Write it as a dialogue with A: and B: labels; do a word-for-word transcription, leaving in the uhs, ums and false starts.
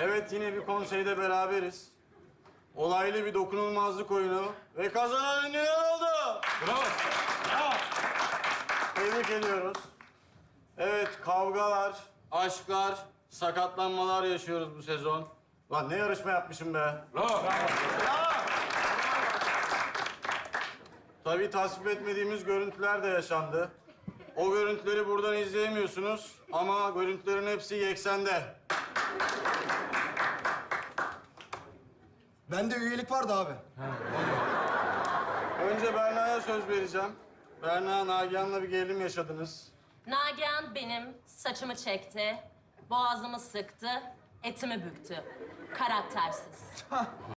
A: Evet, yine bir konseyde beraberiz. Olaylı bir dokunulmazlık oyunu ve kazanan ünlüler oldu.
B: Bravo. Bravo.
A: Tebrik ediyoruz. Evet, kavgalar, aşklar, sakatlanmalar yaşıyoruz bu sezon. Lan ne yarışma yapmışım be.
B: Bravo.
A: Tabii tasvip etmediğimiz görüntüler de yaşandı. O görüntüleri buradan izleyemiyorsunuz ama görüntülerin hepsi Yeksen'de.
C: Bende üyelik vardı abi.
A: Önce Berna'ya söz vereceğim. Berna, Nagihan'la bir gerilim yaşadınız.
D: Nagihan benim saçımı çekti, boğazımı sıktı, etimi büktü. Karaktersiz.